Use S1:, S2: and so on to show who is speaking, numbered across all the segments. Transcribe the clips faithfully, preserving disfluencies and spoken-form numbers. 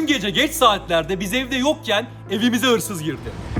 S1: Dün gece geç saatlerde biz evde yokken evimize hırsız girdi.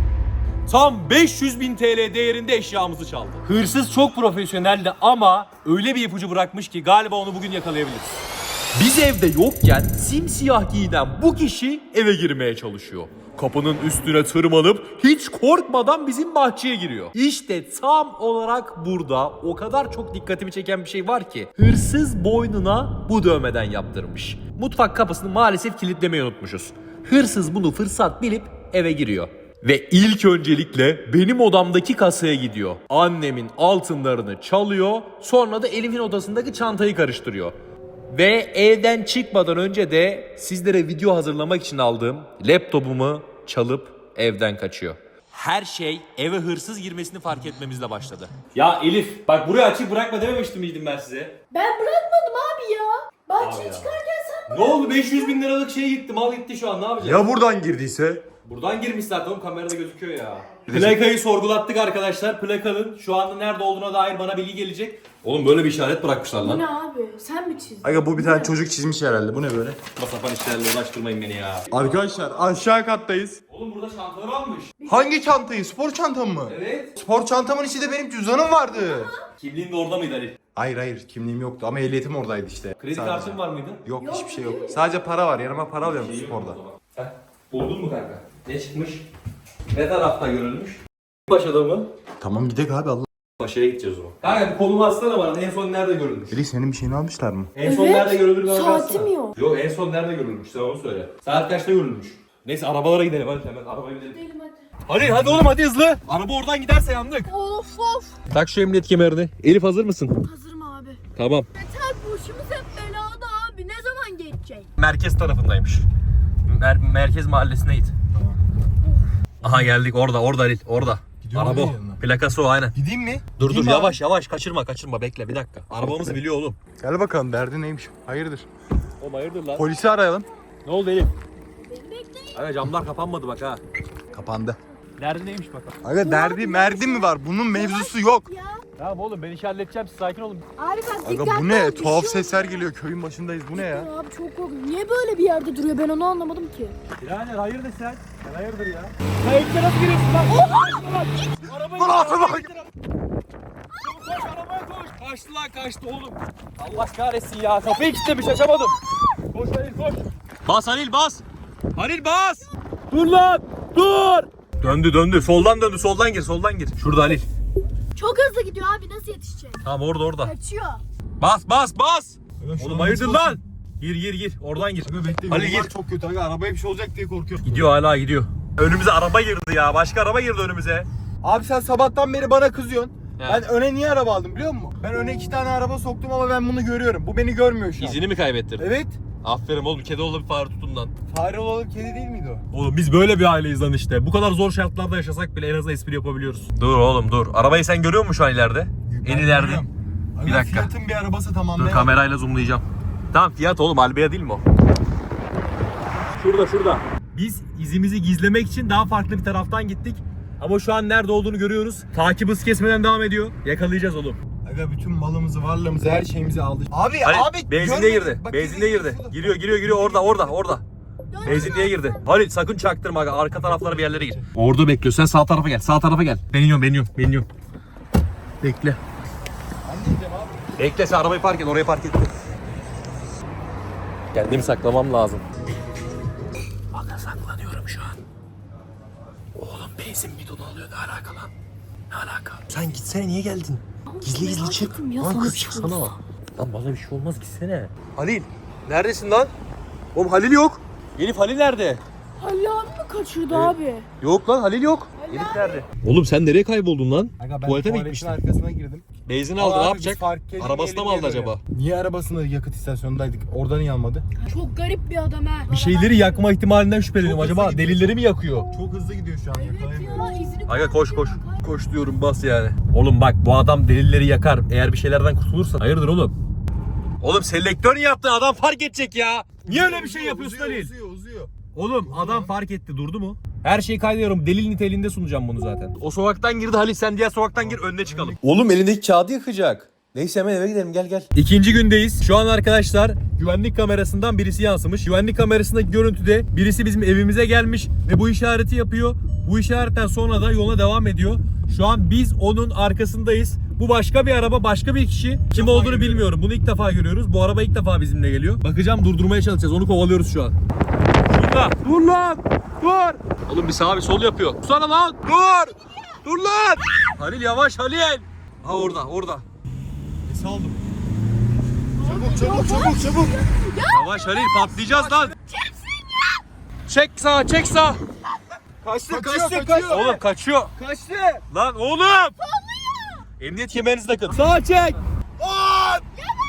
S1: Tam beş yüz bin T L değerinde eşyamızı çaldı. Hırsız çok profesyoneldi ama öyle bir ipucu bırakmış ki galiba onu bugün yakalayabiliriz. Biz evde yokken simsiyah giyinen bu kişi eve girmeye çalışıyor. Kapının üstüne tırmanıp hiç korkmadan bizim bahçeye giriyor. İşte tam olarak burada o kadar çok dikkatimi çeken bir şey var ki hırsız boynuna bu dövmeden yaptırmış. Mutfak kapısını maalesef kilitlemeyi unutmuşuz. Hırsız bunu fırsat bilip eve giriyor. Ve ilk öncelikle benim odamdaki kasaya gidiyor. Annemin altınlarını çalıyor, sonra da Elif'in odasındaki çantayı karıştırıyor. Ve evden çıkmadan önce de sizlere video hazırlamak için aldığım laptopumu çalıp evden kaçıyor. Her şey eve hırsız girmesini fark etmemizle başladı. Ya Elif, bak burayı açık bırakma dememiştim miydim ben size?
S2: Ben bırakmadım abi ya. Bahçeye
S1: Abi ya.
S2: çıkarken sen
S1: Ne oldu? beş yüz bin liralık şey gitti, mal gitti şu an, ne yapacağız?
S3: Ya buradan girdiyse?
S1: Buradan girmiş zaten oğlum, kamerada gözüküyor ya. Plakayı sorgulattık arkadaşlar. Plakanın şu anda nerede olduğuna dair bana bilgi gelecek. Oğlum böyle bir işaret bırakmışlar
S2: Bu
S1: lan.
S2: ne abi? Sen mi çizdin?
S3: Aga bu bir tane çocuk çizmiş herhalde. Bu ne böyle?
S1: Sapan işlerle uğraştırmayın beni ya.
S3: Arkadaşlar aşağı kattayız.
S1: Oğlum burada çantalar almış.
S3: Hangi çantayı? Spor çantam mı?
S1: Evet.
S3: Spor çantamın içinde benim cüzdanım vardı.
S1: Kimliğin de orada mıydı Ali?
S3: Hayır hayır kimliğim yoktu ama ehliyetim oradaydı işte.
S1: Kredi
S3: Sadece.
S1: kartın var mıydı?
S3: Yok,
S2: Yok,
S3: hiçbir şey
S2: değil
S3: yok.
S2: mi?
S3: Sadece para var. Yanıma para alıyorum
S1: İyi
S3: sporda.
S1: o zaman. Heh, buldun mu kanka? Ne çıkmış? Ne tarafta görülmüş? Paşa'da mı?
S3: Tamam gidelim abi Allah.
S1: Paşa'ya gideceğiz o zaman. Kanka bir kolumu atsana bana. En son nerede görülmüş?
S3: Eli senin bir şeyini almışlar mı?
S1: En son
S2: Evet,
S1: nerede görülür bana
S2: saatim
S1: baksana.
S2: yok.
S1: Yok, en son nerede görülmüş? Sen onu söyle. Saat kaçta görülmüş? Neyse arabalara gidelim hadi, hemen arabaya gidelim.
S2: Gidelim hadi.
S1: Hadi hadi oğlum, hadi hızlı. Araba oradan giderse yandık.
S2: Of of.
S1: Tak şu emniyet kemerini. Elif hazır mısın?
S2: Hazırım abi.
S1: Tamam.
S2: Yeter başımız hep belada abi. Ne zaman geçecek?
S1: Merkez tarafındaymış. Mer- merkez mahallesine git.
S3: Tamam.
S1: Aha geldik, orada orada Halil, orada.
S3: Gidiyor mu
S1: Araba o.
S3: yanına?
S1: Plakası o, aynen.
S3: Gideyim mi?
S1: Dur
S3: Gideyim
S1: dur
S3: mi
S1: yavaş yavaş, kaçırma kaçırma, bekle bir dakika. Arabamızı biliyor oğlum.
S3: abi? Gel bakalım derdi neymiş? Hayırdır?
S1: Oğlum hayırdır lan?
S3: Polisi arayalım.
S1: Ne oldu Elif?
S2: Beni bekleyin.
S1: Aga camlar kapanmadı bak ha.
S3: Kapandı.
S1: Nerede neymiş bakalım.
S3: Aga derdi merdi mi var? Bunun mevzusu yok.
S2: Ya.
S1: Tamam oğlum, ben işi halledeceğim, siz sakin olun.
S2: Abi bak
S3: Aga
S2: dikkatli
S3: bu ne?
S2: ol, bir
S3: Tuhaf
S2: şey
S3: sesler
S2: olmaz.
S3: geliyor. Köyün başındayız. Bu ne ya?
S2: Abi çok korkunç. Niye böyle bir yerde duruyor? Ben onu anlamadım ki.
S1: Birader hayırdır sen? Sen hayırdır ya? Sen evde nasıl giriyorsun lan? Arabayı
S3: Dur abi bak.
S1: Koş arabaya koş. Kaçtı lan, kaçtı oğlum. Allah kahretsin ya. Kapıyı kilitlemiş, açamadım. Koş Halil koş. Bas Halil bas. Halil bas. Dur lan. Dur. Döndü döndü. Soldan döndü. Soldan gir. Soldan gir. Şurada Halil.
S2: Çok hızlı gidiyor abi. Nasıl yetişecek?
S1: Tamam orada orada.
S2: Kaçıyor.
S1: Bas bas bas.
S3: Aga, şu
S1: Oğlum
S3: an
S1: hayırdır
S3: nasıl-
S1: lan? Gir gir gir. Oradan gir.
S3: Aga bekle.
S1: Halil
S3: yollar
S1: gir.
S3: çok kötü. Aga arabaya bir şey olacak diye korkuyorum.
S1: Gidiyor hala gidiyor. Önümüze araba girdi ya. Başka araba girdi önümüze.
S3: Abi sen sabahtan beri bana kızıyorsun.
S1: He.
S3: Ben öne niye araba aldım biliyor musun? Ben öne iki tane araba soktum ama ben bunu görüyorum. Bu beni görmüyor şu an.
S1: İzini mi kaybettin?
S3: Evet.
S1: Aferin oğlum, kedi oğlu bir fare tutun lan.
S3: Fare olalım kedi değil miydi o?
S1: Oğlum biz böyle bir aileyiz lan işte. Bu kadar zor şartlarda yaşasak bile en azından espri yapabiliyoruz. Dur oğlum dur. Arabayı sen görüyor musun şu an ileride?
S3: Ben
S1: En ileride.
S3: görüyorum. Aga,
S1: Bir dakika.
S3: Fiyat'ın bir arabası tamam.
S1: Dur
S3: ne?
S1: kamerayla zoomlayacağım. Tamam Fiat oğlum, Albea değil mi o? Şurada şurada. Biz izimizi gizlemek için daha farklı bir taraftan gittik. Ama şu an nerede olduğunu görüyoruz. Takip hız kesmeden devam ediyor. Yakalayacağız oğlum.
S3: Aga bütün malımızı, varlığımızı, her şeyimizi aldı. Abi
S1: Halil,
S3: abi
S1: benzinliğe
S3: görmedin.
S1: girdi.
S3: Bak,
S1: Benzinliğe
S3: kedi
S1: girdi.
S3: şurada.
S1: Giriyor giriyor giriyor orada orada orada.
S2: Dön
S1: Benzinliğe girdi. Halil sakın çaktırma aga. Arka taraflara bir yerlere gir. Orada bekliyor. Sen sağ tarafa gel. Sağ tarafa gel. Ben iniyorum ben iniyorum. Ben iniyorum. Bekle.
S3: Ben de gideceğim abi.
S1: Bekle, sen arabayı park et. Oraya park et. Kendimi saklamam lazım. Aga saklanıyorum şu an. Oğlum benzin bidonu alıyor. Ne alaka lan? Ne alaka? Sen gitsene, niye geldin? Gizli gizli
S2: merak
S1: çık.
S2: ettim ya,
S1: Lan
S2: sana
S1: kız
S2: bir şey
S1: çıksana.
S2: olursa.
S1: Lan bana bir şey olmaz, gitsene. Halil. Neredesin lan? Oğlum Halil yok. Elif, Halil nerede?
S2: Halil abi mi kaçırdı abi?
S1: Yok lan, Halil yok. Elif nerede? Oğlum sen nereye kayboldun lan?
S3: Aga ben
S1: Tuvalete mi
S3: tuvaletin
S1: gitmiştin?
S3: arkasına girdim.
S1: Benzin
S3: Ama
S1: aldı, ne
S3: abi
S1: yapacak?
S3: biz fark edince
S1: Arabasına mı
S3: elim
S1: aldı
S3: yanıyor.
S1: acaba?
S3: Niye arabasında yakıt istasyonundaydık? Oradan niye almadı?
S2: Çok garip bir adam ha.
S1: Bir şeyleri yakma ihtimalinden şüpheleniyorum.
S3: Çok hızlı
S1: Acaba
S3: gidiyor.
S1: delilleri mi yakıyor?
S3: Çok hızlı gidiyor şu an.
S2: Evet
S3: Yakalayamıyorum.
S2: ya izini
S1: Aga koş koş.
S2: kaybediyor.
S1: Koş diyorum, bas yani. Oğlum bak, bu adam delilleri yakar. Eğer bir şeylerden kurtulursa. Hayırdır oğlum? Oğlum selektör yaptın, adam fark edecek ya. Niye öyle bir şey
S3: Uzuyor,
S1: yapıyorsun
S3: uzuyor,
S1: Halil?
S3: Uzuyor uzuyor.
S1: Oğlum adam fark etti, durdu mu? Her şeyi kaydediyorum. Delil niteliğinde sunacağım bunu zaten. O sokaktan girdi Halil, sen diğer sokaktan gir, önüne çıkalım.
S4: Oğlum elindeki kağıdı yakacak.
S1: Neyse hemen eve gidelim, gel gel. İkinci gündeyiz. Şu an arkadaşlar güvenlik kamerasından birisi yansımış. Güvenlik kamerasındaki görüntüde birisi bizim evimize gelmiş ve bu işareti yapıyor. Bu işaretten sonra da yola devam ediyor. Şu an biz onun arkasındayız. Bu başka bir araba, başka bir kişi. Kim olduğunu bilmiyorum. Bunu ilk defa görüyoruz. Bu araba ilk defa bizimle geliyor. Bakacağım, durdurmaya çalışacağız. Onu kovalıyoruz şu an. Şurada. Dur lan. Dur. Oğlum bir sağ bir sol yapıyor. Sana lan. Dur. Dur lan. Halil yavaş Halil. Ha orada, orada. Nesi aldım?
S3: Çabuk çabuk çabuk çabuk.
S1: Yavaş Halil, patlayacağız lan. Çek sağa, çek sağa.
S3: Kaçtı
S1: Kaçıyor,
S3: kaçtı
S1: kaçıyor.
S3: kaçtı.
S1: Oğlum kaçıyor.
S3: Kaçtı.
S1: Lan oğlum. Emniyet kemerinizi takın. Sağa çek.
S3: Aa!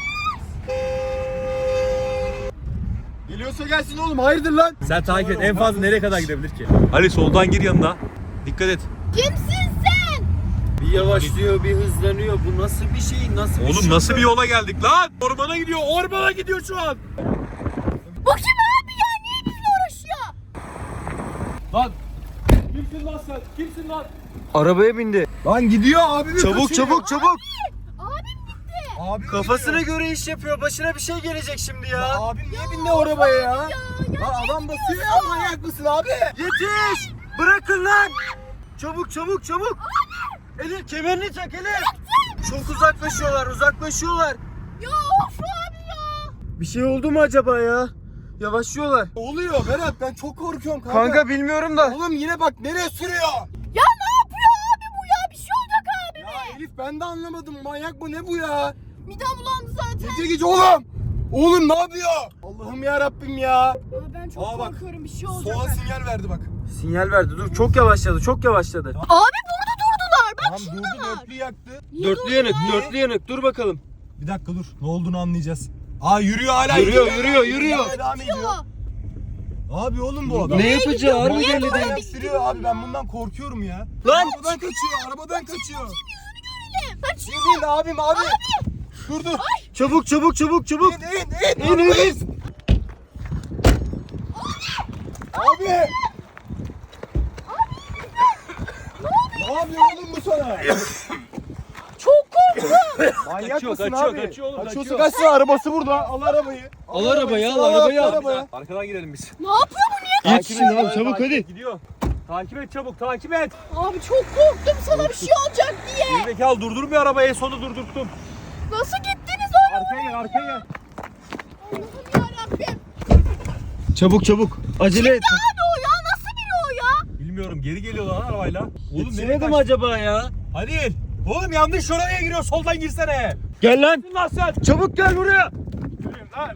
S3: Geliyorsa gelsin oğlum, hayırdır lan?
S1: Sen takip et. En fazla nereye kadar gidebilir ki? Ali soldan gir yanına. Dikkat et.
S2: Kimsin sen?
S4: Bir yavaşlıyor, bir hızlanıyor. Bu nasıl bir şey? Nasıl bir
S1: Oğlum
S4: şey?
S1: nasıl bir yola geldik lan? Ormana gidiyor. Ormana gidiyor şu an.
S2: Bu kim abi ya? Niye bizle uğraşıyor?
S1: Lan. Kimsin lan sen? Kimsin lan?
S4: Arabaya bindi.
S3: Lan gidiyor abi.
S4: Çabuk çabuk çabuk.
S2: Abim gitti.
S3: Abi
S4: Kafasına göre iş yapıyor. Başına bir şey gelecek şimdi ya.
S3: ya. Abim niye bindi o arabaya ya? Lan adam basıyor ya, manyak mısın abi?
S4: Yetiş! Bırakın lan! Çabuk çabuk çabuk. Elif kemerini tak Elif. Çok uzaklaşıyorlar, uzaklaşıyorlar.
S2: Ya of abi ya.
S4: Bir şey oldu mu acaba ya? Yavaşlıyorlar.
S3: Ne oluyor Berat, ben çok korkuyorum kanka.
S4: Kanka bilmiyorum da.
S3: Oğlum yine bak nereye sürüyor?
S2: Ya ne yapıyor abi bu ya? Bir şey olacak abi.
S3: Ya Elif ben de anlamadım, manyak mı ne bu ya?
S2: Midem bulandı zaten.
S3: Gece gece oğlum. Oğlum ne yapıyor? Allah'ım ya Rabbim ya.
S2: Ya ben çok
S3: Aa, bak.
S2: korkuyorum, bir şey olacak.
S3: Soğan sinyal verdi bak.
S4: Sinyal verdi. Dur çok yavaşladı, çok yavaşladı.
S2: Abi burada durdular. Bak
S3: Tamam
S2: şurada
S3: durdu,
S2: var.
S3: dörtlü yaktı.
S2: Niye
S4: Dörtlü
S2: durdular?
S4: yanık, dörtlü yanık. Dur bakalım.
S3: Bir dakika dur, ne olduğunu anlayacağız. Aa yürüyor hala.
S4: Yürüyor,
S3: gidiyor.
S4: yürüyor, yürüyor.
S3: Devam ediyor. Abi oğlum bu adam.
S4: Ne yapacağı harbi
S2: Niye
S4: belli
S2: böyle
S4: değil.
S2: bir-
S3: Sürüyor abi, ben bundan korkuyorum ya.
S4: Lan!
S3: Arabadan kaçıyor, arabadan kaçıyor.
S2: Kaçıyor.
S3: İn in abim abi. Dur dur.
S4: Çabuk çabuk çabuk çabuk.
S3: İn in in.
S4: İn in in.
S3: Abi. Ne yapıyor oğlum bu sana?
S2: Çok korktum.
S3: Manyak
S1: Kaçıyor,
S3: mısın
S1: kaçıyor,
S3: abi?
S1: kaçıyor oğlum,
S3: Kaçıyorsa
S1: kaçıyor.
S3: kaçsın, arabası burada. Al arabayı.
S4: Al arabayı, al
S3: Al
S4: arabayı al.
S3: arabaya.
S1: Arkadan gidelim biz.
S2: Ne yapıyor bu, niye?
S4: Yetişin abi çabuk
S1: Takip
S4: hadi.
S1: et, gidiyor. Takip et çabuk, takip et.
S2: Abi çok korktum sana bir şey olacak diye.
S1: Gerizekalı durdurmuyor arabayı, sonu durdurttum.
S2: Nasıl gittiniz oğlum?
S1: Arkaya gel, arkaya gel.
S2: Allah'ım yarabbim.
S4: Çabuk çabuk. Acele et.
S2: Abi o ya, nasıl biri o ya?
S1: Bilmiyorum, geri geliyor lan arabayla. Oğlum nereye
S4: Yetişemedi mi
S1: kaçtın?
S4: acaba ya?
S1: Halil. Oğlum yanlış şuraya giriyor, soldan girsene.
S4: Gel lan.
S1: Lan sen.
S4: Çabuk gel buraya.
S1: Yürüyün lan.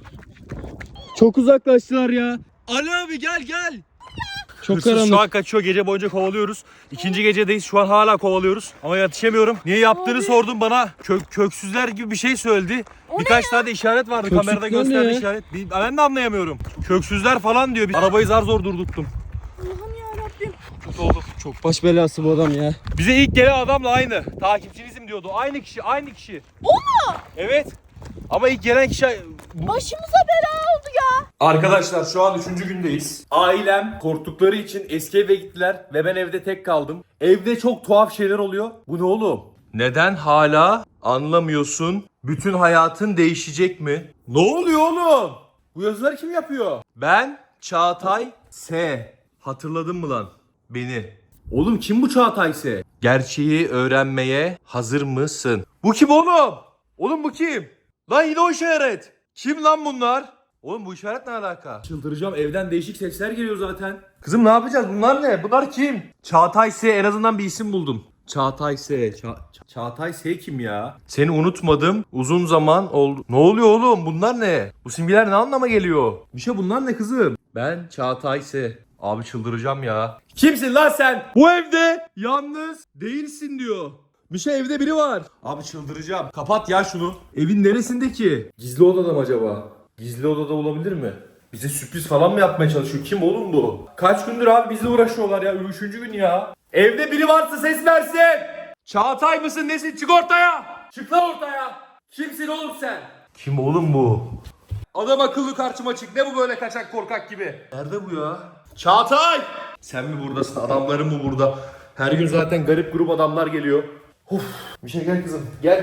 S4: Çok uzaklaştılar ya. Ali abi gel gel. Çok
S1: Hırsız
S4: karanlık.
S1: şu an kaçıyor, gece boyunca kovalıyoruz. İkinci gecedeyiz, şu an hala kovalıyoruz. Ama yetişemiyorum. Niye yaptığını
S2: Abi.
S1: sordum bana. Kök, köksüzler gibi bir şey söyledi.
S2: O ne
S1: Birkaç tane de işaret vardı,
S4: Köksüzler
S1: kamerada
S4: ne
S1: gösterdi
S4: ya?
S1: işaret. Bir- Ben de anlayamıyorum. Köksüzler falan diyor. Biz arabayı zar zor durdurttum.
S2: Allah'ım yarabbim.
S1: Kötü oldu.
S4: Çok baş belası bu adam ya.
S1: Bize ilk gelen adamla aynı. Takipçinizim diyordu. Aynı kişi, aynı kişi.
S2: O mu?
S1: Evet. Ama ilk gelen kişi...
S2: Başımıza bela oldu ya.
S1: Arkadaşlar şu an üçüncü gündeyiz. Ailem korktukları için eski eve gittiler ve ben evde tek kaldım. Evde çok tuhaf şeyler oluyor. Bu ne oğlum? Neden hala anlamıyorsun? Bütün hayatın değişecek mi? Ne oluyor oğlum? Bu yazıları kim yapıyor? Ben Çağatay S. Hatırladın mı lan beni? Oğlum kim bu Çağatay S? Gerçeği öğrenmeye hazır mısın? Bu kim oğlum? Oğlum bu kim? Lan yine o işaret. Kim lan bunlar? Oğlum bu işaret ne alaka? Çıldıracağım, evden değişik sesler geliyor zaten. Kızım ne yapacağız? Bunlar ne? Bunlar kim? Çağatay S, en azından bir isim buldum. Çağatay S. Ça- Ça- Çağatay S kim ya? Seni unutmadım. Uzun zaman oldu. Ne oluyor oğlum? Bunlar ne? Bu simgeler ne anlama geliyor? Bir şey bunlar ne kızım? Ben Çağatay S. Abi çıldıracağım ya. Kimsin lan sen? Bu evde yalnız değilsin diyor. Bir şey, evde biri var. Abi çıldıracağım. Kapat ya şunu. Evin neresinde ki? Gizli odada mı acaba? Gizli odada olabilir mi? Bize sürpriz falan mı yapmaya çalışıyor? Kim oğlum bu? Kaç gündür abi bizle uğraşıyorlar ya. Üçüncü gün ya. Evde biri varsa ses versin. Çağatay mısın nesin? Çık ortaya. Çık lan ortaya. Kimsin oğlum sen? Kim oğlum bu? Adam akıllı karşıma çık. Ne bu böyle kaçak korkak gibi? Nerede bu ya? Çağatay! Sen mi buradasın? Adamların mı burada? Her gün zaten garip grup adamlar geliyor. Uf, bir şey gel kızım. Gel.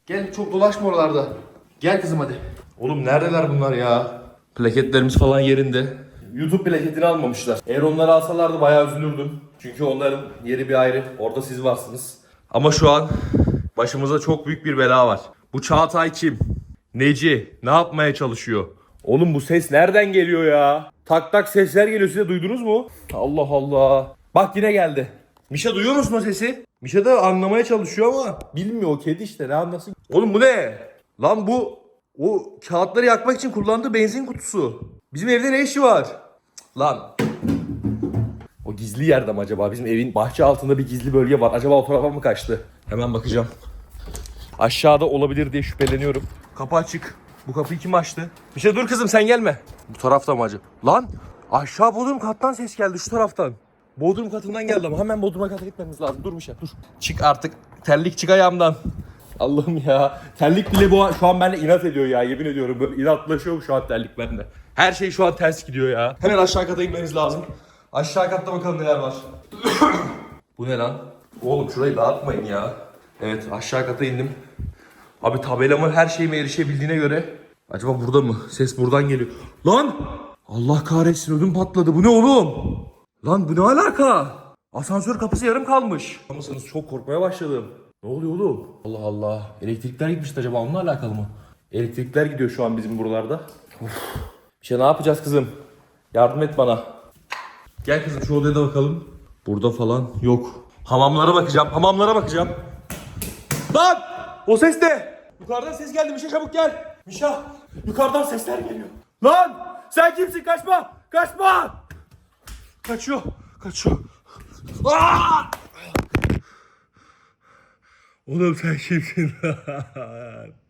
S1: Gel çok dolaşma oralarda. Gel kızım hadi. Oğlum neredeler bunlar ya? Plaketlerimiz falan yerinde. YouTube plaketini almamışlar. Eğer onları alsalardı bayağı üzülürdüm. Çünkü onların yeri bir ayrı. Orada siz varsınız. Ama şu an başımıza çok büyük bir bela var. Bu Çağatay kim? Neci? Ne yapmaya çalışıyor? Oğlum bu ses nereden geliyor ya? Tak tak sesler geliyor, size duydunuz mu? Allah Allah. Bak yine geldi. Mişa duyuyor musun o sesi? Mişa da anlamaya çalışıyor ama bilmiyor, o kedi işte, ne anlasın. Oğlum bu ne? Lan bu o kağıtları yakmak için kullandığı benzin kutusu. Bizim evde ne işi var? Cık, lan. O gizli yerde mi acaba? Bizim evin bahçe altında bir gizli bölge var. Acaba o tarafa mı kaçtı? Hemen bakacağım. Aşağıda olabilir diye şüpheleniyorum. Kapı açık. Bu kapıyı kim açtı? Bir şey dur kızım, sen gelme. Bu tarafta mı acaba? Lan aşağı bodrum kattan ses geldi, şu taraftan. Bodrum katından geldi ama hemen bodrum kata gitmemiz lazım. Dur bir şey dur. Çık artık. Terlik çık ayağımdan. Allah'ım ya. Terlik bile bu şu an benimle inat ediyor ya. Yemin ediyorum böyle inatlaşıyor şu an terlik bende. Her şey şu an ters gidiyor ya. Hemen aşağı kata inmemiz lazım. Aşağı katta bakalım neler var. Bu ne lan? Oğlum şurayı dağıtmayın ya. Evet aşağı kata indim. Abi tabelamın her şeyime erişebildiğine göre. Acaba burada mı? Ses buradan geliyor. Lan! Allah kahretsin, ödüm patladı. Bu ne oğlum? Lan bu ne alaka? Asansör kapısı yarım kalmış. Mısınız? Çok korkmaya başladım. Ne oluyor oğlum? Allah Allah. Elektrikler gitmişti, acaba onunla alakalı mı? Elektrikler gidiyor şu an bizim buralarda. Of. Bir şey ne yapacağız kızım? Yardım et bana. Gel kızım şu odaya da bakalım. Burada falan yok. Hamamlara bakacağım. Hamamlara bakacağım. Lan! O ses ne? Yukarıdan ses geldi. Mişa çabuk gel. Mişa yukarıdan sesler geliyor. Lan! Sen kimsin? Kaçma! Kaçma! Kaçıyor. Kaçıyor. Aa! Oğlum sen kimsin?